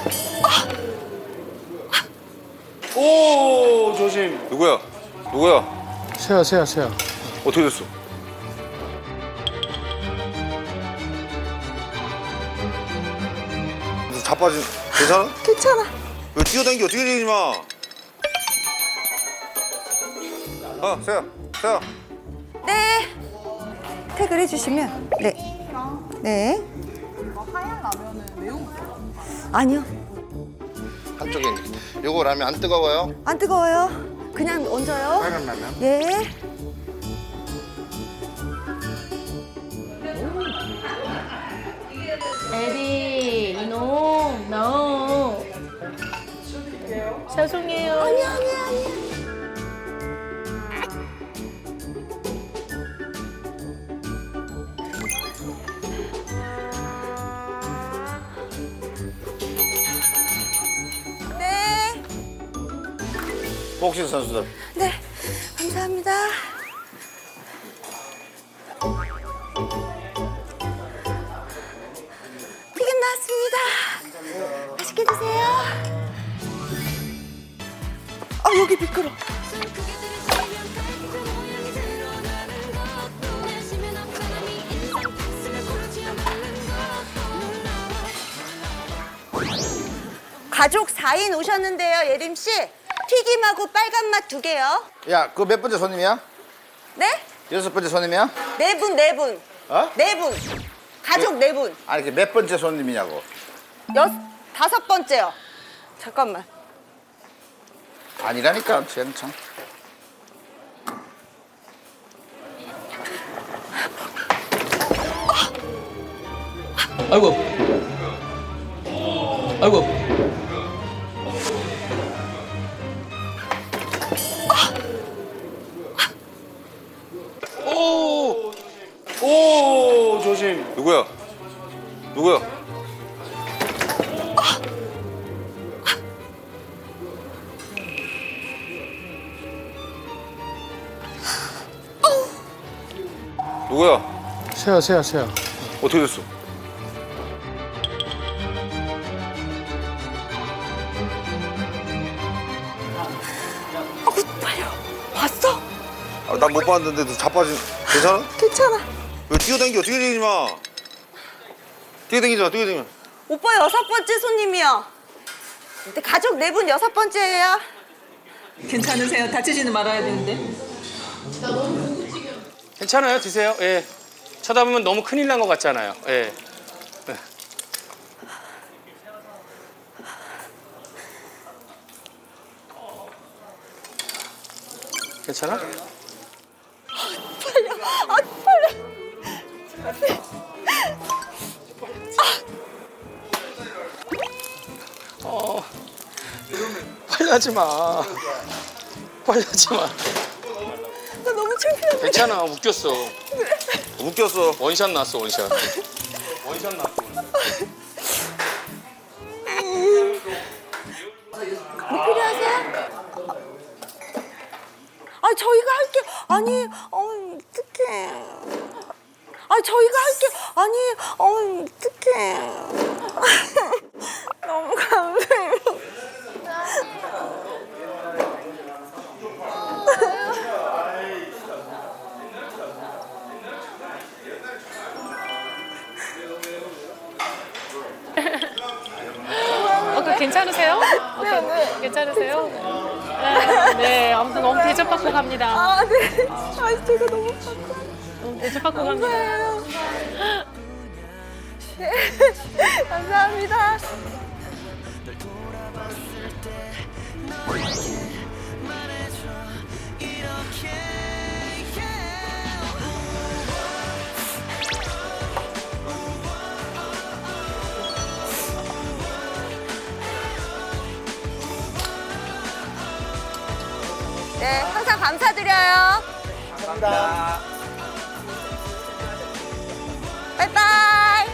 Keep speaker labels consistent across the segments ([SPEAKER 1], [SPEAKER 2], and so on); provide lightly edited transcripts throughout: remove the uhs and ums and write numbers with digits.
[SPEAKER 1] 오, 조심.
[SPEAKER 2] 누구야? 누구야?
[SPEAKER 3] 세야.
[SPEAKER 2] 어떻게 됐어? 무슨 자빠진 괜찮아?
[SPEAKER 4] 괜찮아.
[SPEAKER 2] 왜 뛰어다니기 어떻게 되지 마? 세야.
[SPEAKER 4] 네. 태그를 해주시면 네. 네.
[SPEAKER 5] 하얀 라면은 매운 거예요?
[SPEAKER 4] 아니요.
[SPEAKER 6] 한쪽에 요거 라면 안 뜨거워요?
[SPEAKER 4] 안 뜨거워요. 그냥 얹어요.
[SPEAKER 6] 빨간 라면?
[SPEAKER 4] 예.
[SPEAKER 7] 에디, 이놈, no. 죄송해요.
[SPEAKER 4] 아니야. 네.
[SPEAKER 2] 복싱 선수들.
[SPEAKER 4] 네. 감사합니다. 튀김 나왔습니다. 맛있게 드세요. 여기 미끄러. 가족 4인 오셨는데요, 예림 씨. 튀김하고 빨간 맛 2개요.
[SPEAKER 6] 야, 그거 몇 번째 손님이야?
[SPEAKER 4] 네?
[SPEAKER 6] 6번째 손님이야?
[SPEAKER 4] 4분, 4분.
[SPEAKER 6] 어?
[SPEAKER 4] 4분. 가족 4분.
[SPEAKER 6] 아니, 이게 몇 번째 손님이냐고.
[SPEAKER 4] 5번째요. 잠깐만.
[SPEAKER 6] 아니라니까, 쟤는 참.
[SPEAKER 3] 아이고.
[SPEAKER 1] 오, 조심.
[SPEAKER 2] 누구야? 누구야?
[SPEAKER 3] 세야.
[SPEAKER 2] 어떻게 됐어?
[SPEAKER 4] 빨려. 봤어?
[SPEAKER 2] 난 못 봤는데 너 자빠진 괜찮아?
[SPEAKER 4] 괜찮아.
[SPEAKER 2] 왜 뛰어다니기 어떻게 되지 마? 뛰어다니지 마.
[SPEAKER 4] 오빠 6번째 손님이요. 근데 가족 4분 6번째예요.
[SPEAKER 5] 괜찮으세요? 다치지는 말아야 되는데.
[SPEAKER 1] 괜찮아요, 드세요. 예. 쳐다보면 너무 큰일 난 것 같잖아요. 예. 괜찮아?
[SPEAKER 4] 빨리.
[SPEAKER 1] 빨리 하지 마. 빨리 하지 마.
[SPEAKER 4] 나 너무 창피해.
[SPEAKER 1] 괜찮아, 웃겼어.
[SPEAKER 2] 웃겼어.
[SPEAKER 1] 원샷 났어, 원샷. 원샷 났어.
[SPEAKER 4] 뭐 필요하세요? 저희가 할게. 아니, 어떡해. 저희가 할게. 아니, 어떡해. 너무 감사해요.
[SPEAKER 7] 괜찮으세요? 네. 괜찮으세요? 네, 아무튼 너무 대접받고 갑니다.
[SPEAKER 4] 네. 제가 너무
[SPEAKER 7] 너무 대접받고 갑니다.
[SPEAKER 4] 네. 감사합니다. 네, 항상 감사드려요. 감사합니다. 빠이빠이.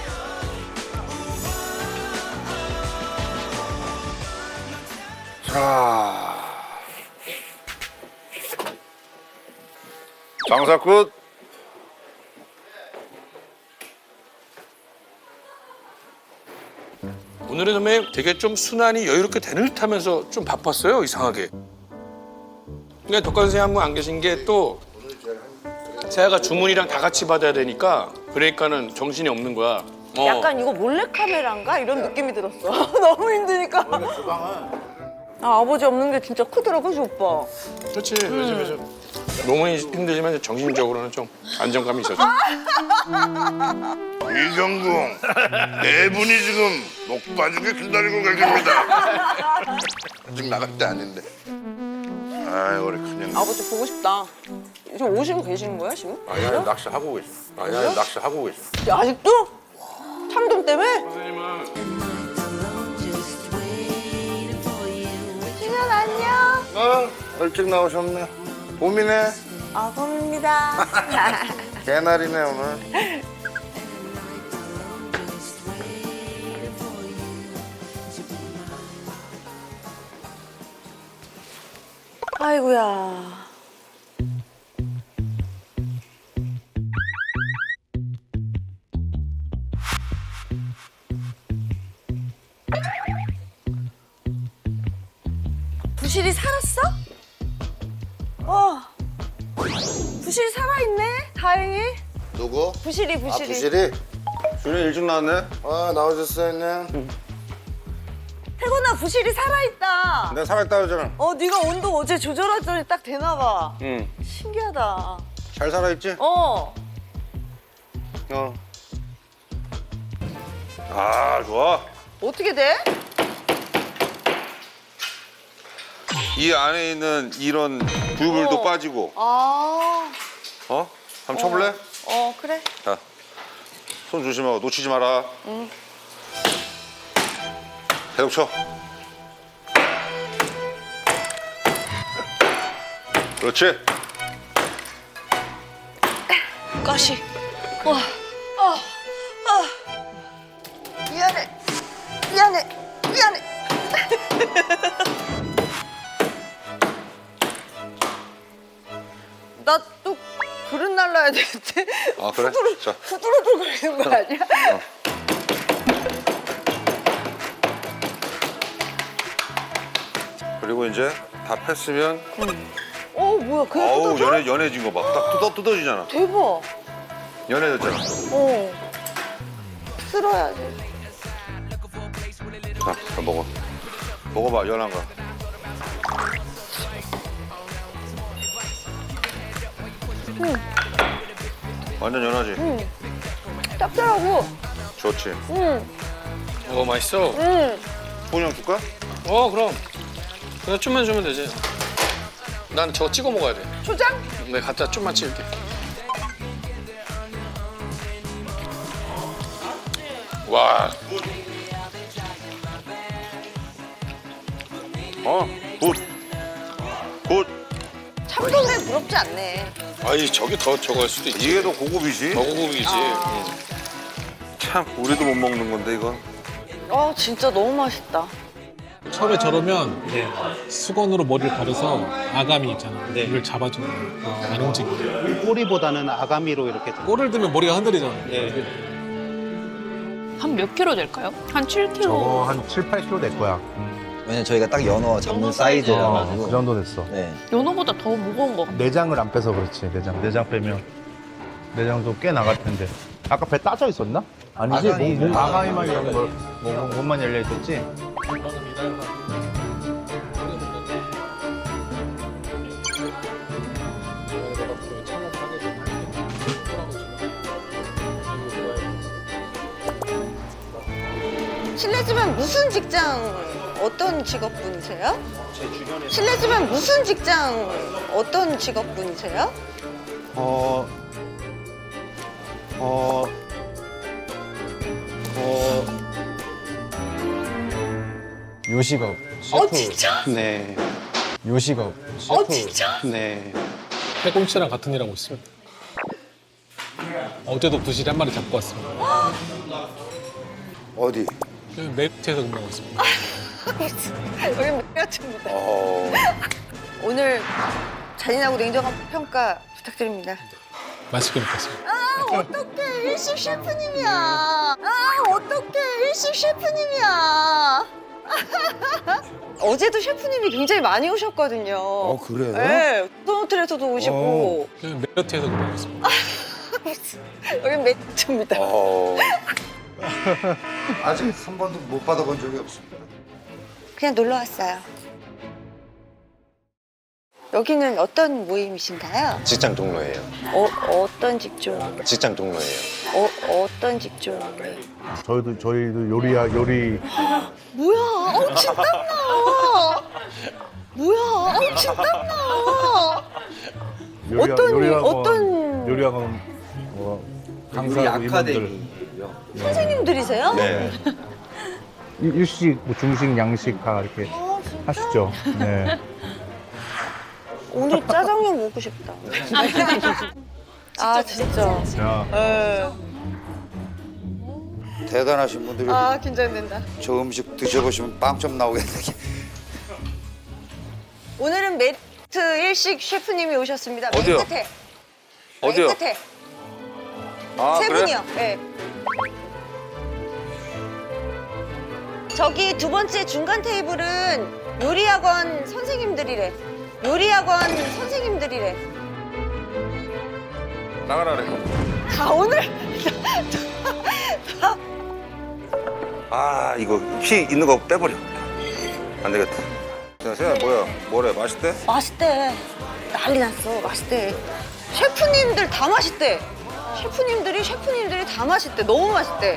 [SPEAKER 2] 자, 장사 끝.
[SPEAKER 1] 오늘은 선배님 되게 좀 순환이 여유롭게 되는 듯하면서 좀 바빴어요 이상하게. 그러니까 덕관 선생님 한 분 안 계신 게 또 세아가 주문이랑 다 같이 받아야 되니까 그러니까는 정신이 없는 거야.
[SPEAKER 4] 약간 이거 몰래카메라인가? 이런 느낌이 들었어. 너무 힘드니까. 아버지 없는 게 진짜 크더라, 그지 오빠?
[SPEAKER 1] 그렇지. 그래서 너무 힘들지만 정신적으로는 좀 안정감이 있었죠.
[SPEAKER 6] 이경궁, 네 분이 지금 목 빠지게 기다리고 계십니다. 아직 나갈 때 아닌데. 아이 우리 큰형.
[SPEAKER 5] 아버지 보고 싶다. 지금 오시고 계시는 거야 지금?
[SPEAKER 2] 아니야, 낚시하고 계셔. 아니야, 낚시하고 계셔.
[SPEAKER 4] 야, 아직도? 참돔 때문에? 신현 안녕.
[SPEAKER 6] 일찍 나오셨네. 봄이네.
[SPEAKER 4] 아, 봄입니다.
[SPEAKER 6] 개날이네 오늘.
[SPEAKER 4] 아이고야. 부실이 살았어? 부실이 살아있네. 다행히.
[SPEAKER 6] 누구?
[SPEAKER 4] 부실이.
[SPEAKER 6] 아 부실이?
[SPEAKER 2] 준이 일찍 나왔네?
[SPEAKER 6] 아 나오셨어요 형님.
[SPEAKER 4] 태곤아, 부실이 살아있다.
[SPEAKER 2] 내가 살아있다 그러잖아.
[SPEAKER 4] 네가 온도 어제 조절했더니 딱 되나 봐.
[SPEAKER 2] 응.
[SPEAKER 4] 신기하다.
[SPEAKER 2] 잘 살아있지?
[SPEAKER 4] 어.
[SPEAKER 2] 아, 좋아.
[SPEAKER 4] 어떻게 돼?
[SPEAKER 2] 이 안에 있는 이런 부유물도 빠지고.
[SPEAKER 4] 아.
[SPEAKER 2] 한번 쳐볼래?
[SPEAKER 4] 그래.
[SPEAKER 2] 자, 손 조심하고 놓치지 마라. 응. 계속 쳐. 그렇지.
[SPEAKER 4] 가시. 미안해. 나 또 그릇 날라야 되는데.
[SPEAKER 2] 아, 그래? 자.
[SPEAKER 4] 후두루두 걸리는 거 아니야?
[SPEAKER 2] 그리고 이제 다 폈으면
[SPEAKER 4] 뭐야, 그게
[SPEAKER 2] 아우
[SPEAKER 4] 뜯어져?
[SPEAKER 2] 연해진 거 봐. 딱 뜯어지잖아.
[SPEAKER 4] 대박.
[SPEAKER 2] 연해졌잖아.
[SPEAKER 4] 쓸어야지.
[SPEAKER 2] 자, 먹어. 먹어봐, 연한 거. 완전 연하지?
[SPEAKER 4] 짭짤하고.
[SPEAKER 2] 좋지.
[SPEAKER 1] 맛있어.
[SPEAKER 2] 소냥 줄까?
[SPEAKER 1] 그럼. 그냥 좀만 주면 되지. 난 저거 찍어 먹어야 돼.
[SPEAKER 4] 초장?
[SPEAKER 1] 내가 갖다 좀만 찍을게. 와,
[SPEAKER 2] 굿. 굿.
[SPEAKER 4] 참돔에 부럽지 않네.
[SPEAKER 1] 아이 저게 더 저거일 수도 있지.
[SPEAKER 2] 이게 더 고급이지?
[SPEAKER 1] 더 고급이지.
[SPEAKER 2] 참, 우리도 못 먹는 건데, 이건.
[SPEAKER 4] 진짜 너무 맛있다.
[SPEAKER 3] 처음에 저러면 수건으로 머리를 가려서 아가미 있잖아. 이걸 잡아주는 거야. 안 움직이게.
[SPEAKER 8] 꼬리보다는 아가미로 이렇게
[SPEAKER 3] 꼬리를 들면 머리가 흔들리잖아.
[SPEAKER 7] 한 몇 킬로 될까요? 한 7킬로.
[SPEAKER 8] 저거 한 7, 8kg 될 거야.
[SPEAKER 9] 왜냐면 저희가 딱 연어 잡는 사이즈라 가지고.
[SPEAKER 8] 그 정도 됐어.
[SPEAKER 9] 네.
[SPEAKER 7] 연어보다 더 무거운 것 같아요.
[SPEAKER 8] 내장을 안 빼서 그렇지. 내장 빼면 내장도 꽤 나갈 텐데. 아까 배 따져 있었나? 아니지. 아가미만 열린 걸 몸만 열려 있었지.
[SPEAKER 4] 실례지만 무슨 직장, 어떤 직업분이세요? 실례지만 무슨 직장, 어떤 직업분이세요?
[SPEAKER 9] 요식업. 셰프.
[SPEAKER 4] 진짜?
[SPEAKER 8] 네.
[SPEAKER 9] 요식업.
[SPEAKER 8] 셰프.
[SPEAKER 4] 진짜?
[SPEAKER 8] 네.
[SPEAKER 3] 해공치랑 같은 일 하고 있습니다. 어제도 부실이 한 마리 잡고 왔습니다.
[SPEAKER 6] 어디?
[SPEAKER 3] 매트에서 근무하고 있습니다.
[SPEAKER 4] 여기 매력입니다. 오늘 잔인하고 냉정한 평가 부탁드립니다.
[SPEAKER 3] 맛있게 먹겠습니다.
[SPEAKER 4] 어떡해, 일식 셰프님이야. 어떡해. 일식 셰프님이야. 어제도 셰프님이 굉장히 많이 오셨거든요.
[SPEAKER 2] 그래요?
[SPEAKER 4] 네. 소노틀에서도 오시고.
[SPEAKER 3] 그냥 메리트에서 그러겠습니다.
[SPEAKER 4] 여긴 매트입니다.
[SPEAKER 2] 아직 한 번도 못 받아본 적이 없습니다.
[SPEAKER 4] 그냥 놀러 왔어요. 여기는 어떤 모임이신가요?
[SPEAKER 10] 직장 동료예요.
[SPEAKER 4] 어떤 직종?
[SPEAKER 10] 직장 동료예요.
[SPEAKER 4] 어떤 직종?
[SPEAKER 8] 저희도 요리
[SPEAKER 4] 뭐야? 침 땀나. 뭐야? 침 땀나. 어떤
[SPEAKER 8] 요리학원 강사하고 이분들
[SPEAKER 4] 선생님들이세요?
[SPEAKER 10] 네.
[SPEAKER 8] 일식, 뭐 중식, 양식 다 이렇게 하시죠. 네.
[SPEAKER 4] 오늘 짜장면 먹고 싶다. 아 진짜.
[SPEAKER 8] 야,
[SPEAKER 4] 네.
[SPEAKER 2] 대단하신 분들이
[SPEAKER 4] 아 긴장된다.
[SPEAKER 2] 저 음식 드셔보시면 빵점 나오겠네.
[SPEAKER 4] 오늘은 매트 일식 셰프님이 오셨습니다.
[SPEAKER 2] 어디요?
[SPEAKER 4] 맨 끝에.
[SPEAKER 2] 어디요?
[SPEAKER 4] 맨 끝에.
[SPEAKER 2] 아,
[SPEAKER 4] 세
[SPEAKER 2] 그래?
[SPEAKER 4] 분이요. 네. 저기 두 번째 중간 테이블은 요리학원 선생님들이래. 요리학원 선생님들이래.
[SPEAKER 2] 나가라 그래.
[SPEAKER 4] 다 오늘
[SPEAKER 2] 아, 이거 피 있는 거 빼버려. 안 되겠다. 야, 세연아, 뭐래? 맛있대?
[SPEAKER 4] 맛있대. 난리 났어. 맛있대. 셰프님들 다 맛있대. 셰프님들이 다 맛있대. 너무 맛있대.